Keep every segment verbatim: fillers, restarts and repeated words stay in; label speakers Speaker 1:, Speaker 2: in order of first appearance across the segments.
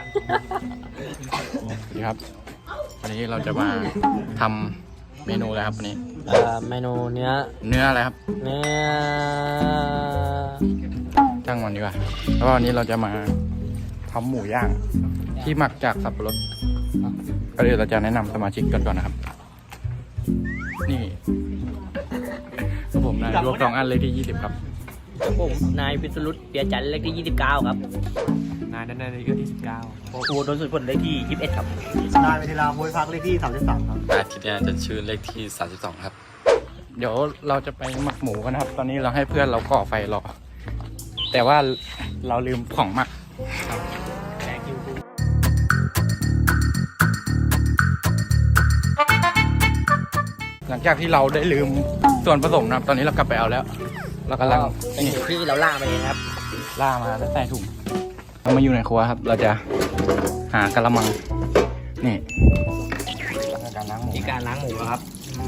Speaker 1: ดีครับวันนี้เราจะมาทำเมนูอะไรครับวันนี้
Speaker 2: เอ่อเมนูเนื้อ
Speaker 1: เนื้ออะไรครับ
Speaker 2: เนื้อ
Speaker 1: ช่างมันดีกว่าแล้วก็วันนี้เราจะมาทำหมูย่างที่หมักจากสับปะรดก็เดี๋ยวเราจะแนะนำสมาชิกกันก่อนนะครับนี่ผมนายรวบสองอันเลยที่ยี่สิบครับ
Speaker 2: ผมนายพิศรุตเปียจันทร์เลขที่ยี่สิบเก้าครับ
Speaker 3: นายนันนายเลขที่สิบเก้า
Speaker 2: โอ้โหโดนสุดผลเลขที่ยี่สิบเอ็ดครับ
Speaker 4: นายเวทีลาโวยพักเลขที่สามสิบสามครับ
Speaker 5: นายทิตยาจันชื่อเลขที่สามสิบสองครับ
Speaker 1: เดี๋ยวเราจะไปหมักหมูกันนะครับตอนนี้เราให้เพื่อนเราก่อไฟรอแต่ว่าเราลืมของหมักหลังจากที่เราได้ลืมส่วนผสมนะครับตอนนี้เรากลับไปเอาแล้วเรากำลัง
Speaker 2: เป็นหมูที่เราล่ามาเองครับ
Speaker 1: ล่ามาแล้วใส่ถุงเรามาอยู่ในครัวครับเราจะหากระมังนี่การล้างหมู
Speaker 2: ที่การล้างหมูครับ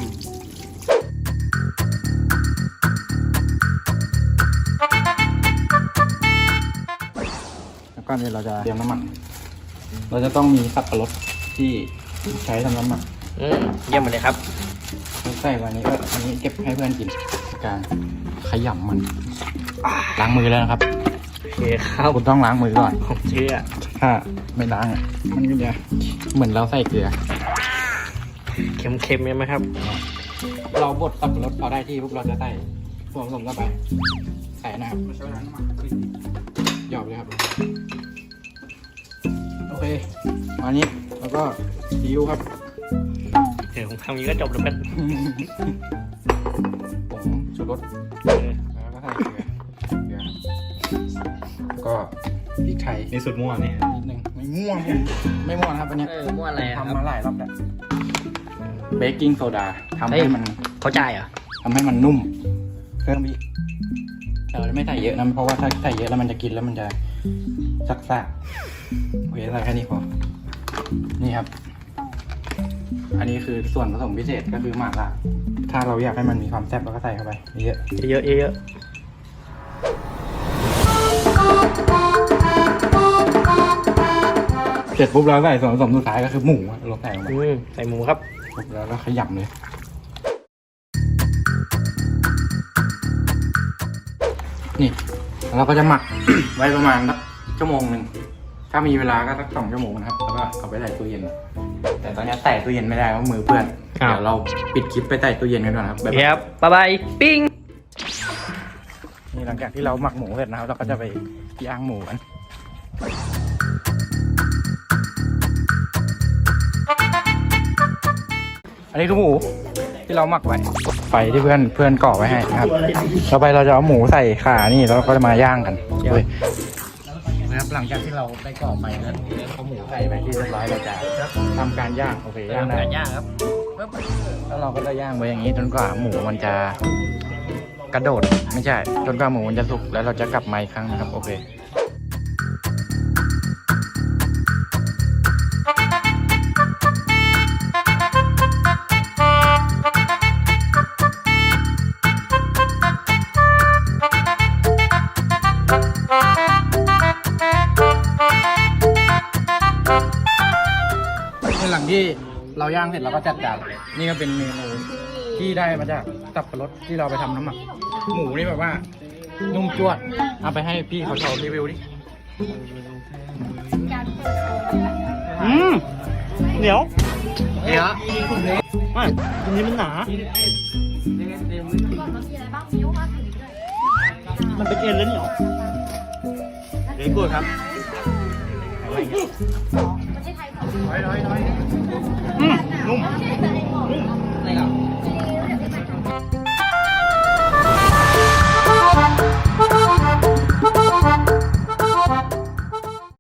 Speaker 1: แล้วก็นี่เราจะเตรียมน้ำมันเราจะต้องมีสับปะรดที่ใช้ทำน้ำมัน
Speaker 2: อืมเยี่ยมเลยครับ
Speaker 1: ใส่วันนี้ก็อันนี้เก็บให้เพื่อนกินการขยำมันล้างมือแล้วนะครับ
Speaker 2: โอเคครับ
Speaker 1: คุณต้องล้างมือก่อน
Speaker 2: ผมเชื่อ
Speaker 1: ถ้าไม่ล้างอ่ะมันก็จะเหมือนเราใส่เกลือ
Speaker 2: เค็มๆไหมครับ
Speaker 1: เราบดสับปะรดพอได้ที่พวกเราจะใส่ส่วนผสมเข้าไปใส่นะครับหยอกเลยครับโอเคมานี้แล้วก็ซีอิ๊วครับ
Speaker 2: เดี๋ยวผมทำนี้ก็จบแล้วกัน
Speaker 1: ผงชูรสแล้วก็ใส่เกลือเกลือแล้วก็พริกไทย
Speaker 3: ในสุดม่วงนี่
Speaker 1: นิดนึงไม่ม่วงไม่ม่วงครับอันนี้
Speaker 2: ม่วงอะไรครับ
Speaker 1: ทำมาหลายรอบแล้วเบกกิ้งโซดาทำให้มัน
Speaker 2: เข้าใจเหรอ
Speaker 1: ทำให้มันนุ่มเพิ่มอีกเราไม่ใส่เยอะนะเพราะว่าถ้าใส่เยอะแล้วมันจะกินแล้วมันจะซักซ่าโอเคใส่แค่นี้พอนี่ครับอันนี้คือส่วนผสมพิเศษก็คือหม่าล่าถ้าเราอยากให้มันมีความแซ่บเราก็ใส่เข้าไปเยอะ
Speaker 2: เยอะเยอะ
Speaker 1: เสร็จปุ๊บเราใส่ส่วนผสมสุดท้ายก็คือหมูเราใส่ลงไป
Speaker 2: ใส่หมูครับ
Speaker 1: แล้วก็ขยำเลยนี่เราก็จะหมัก ไว้ประมาณสักชั่วโมงหนึ่งถ้ามีเวลาก็สักสองชั่วโมงนะครับแล้วก็เอาไปใส่ตู้เย็นแต่ตอนนี้ใส่ตู้เย็นไม่ได้เพราะมือเปื้อนเดี๋ยวเราปิดคลิปไปใส่ตู้เย็นกันก่อนครับ
Speaker 2: ครับบ๊ายบายปิ้ง
Speaker 1: นี่หลังจากที่เราหมักหมูเสร็จนะครับเราก็จะไปย่างหมูกันอันนี้คือหมูที่เราหมักไว้ไฟที่เพื่อนเพื่อนก่อไว้ให้นะครับต่อไปเราจะเอาหมูใส่ขานี่แล้วก็จะมาย่างกันเลยนะครับหลังจากที่เราได้ก่อไฟแล้วเอาหมูใส่ไปที่เรียบร้อยเราจะทำการย่างโอเคย่างได้
Speaker 2: ย่างครับ
Speaker 1: แล้วเราก็จะย่างไว้อย่างนี้จนกว่าหมูมันจะกระโดดไม่ใช่จนกว่าหมูมันจะสุกแล้วเราจะกลับมาอีกครั้งนะครับโอเคหลังที่เราย่างเสร็จเราก็จัดจานนี่ก็เป็นเมนูที่ได้มาจากสับปะรดที่เราไปทำน้ำหมักหมูนี่แบบว่านุ่มจวดเอาไปให้พี่เขาเขารีวิวดิ
Speaker 4: อืมเหนียว
Speaker 2: เหนียว
Speaker 4: ไม่ตรงนี้มันหนามันเป็นเอ็นแล้วเหนียวเด็กกูครับ
Speaker 1: น้อยน้อยน้อย
Speaker 4: อืมนุ่ม
Speaker 2: อะไรกัน